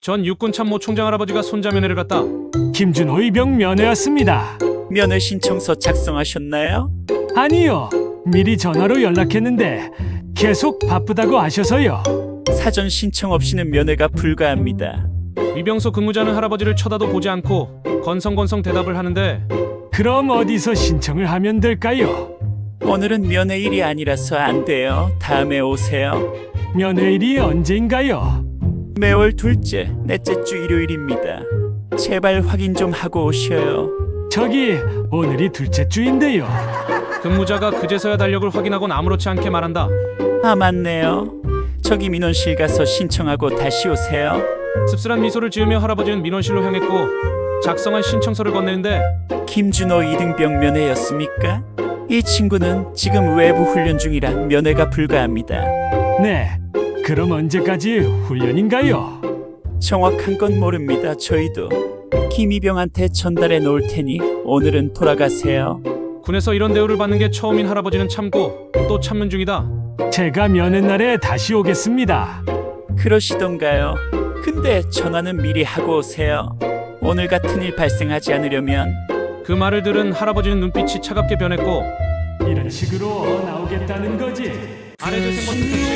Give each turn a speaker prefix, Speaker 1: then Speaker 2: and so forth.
Speaker 1: 전 육군 참모 총장 할아버지가 손자 면회를 갔다.
Speaker 2: 김준호 이병 면회였습니다.
Speaker 3: 면회 신청서 작성하셨나요?
Speaker 2: 아니요. 미리 전화로 연락했는데 계속 바쁘다고 하셔서요.
Speaker 3: 사전 신청 없이는 면회가 불가합니다.
Speaker 1: 위병소 근무자는 할아버지를 쳐다도 보지 않고 건성건성 대답을 하는데
Speaker 2: 그럼 어디서 신청을 하면 될까요?
Speaker 3: 오늘은 면회일이 아니라서 안 돼요. 다음에 오세요.
Speaker 2: 면회일이 언제인가요?
Speaker 3: 매월 둘째, 넷째 주 일요일입니다. 제발 확인 좀 하고 오셔요.
Speaker 2: 저기 오늘이 둘째 주인데요.
Speaker 1: 근무자가 그제서야 달력을 확인하곤 아무렇지 않게 말한다.
Speaker 3: 아, 맞네요. 저기 민원실 가서 신청하고 다시 오세요.
Speaker 1: 씁쓸한 미소를 지으며 할아버지는 민원실로 향했고 작성한 신청서를 건네는데
Speaker 3: 김준호 2등병 면회였습니까? 이 친구는 지금 외부 훈련 중이라 면회가 불가합니다.
Speaker 2: 네. 그럼 언제까지 훈련인가요?
Speaker 3: 정확한 건 모릅니다. 저희도 김이병한테 전달해 놓을 테니 오늘은 돌아가세요.
Speaker 1: 군에서 이런 대우를 받는 게 처음인 할아버지는 참고 또 참는 중이다.
Speaker 2: 제가 면회 날에 다시 오겠습니다.
Speaker 3: 그러시던가요? 근데 전화는 미리 하고 오세요. 오늘 같은 일 발생하지 않으려면.
Speaker 1: 그 말을 들은 할아버지는 눈빛이 차갑게 변했고
Speaker 2: 이런 식으로 나오겠다는 거지.
Speaker 1: 아래 재생 버튼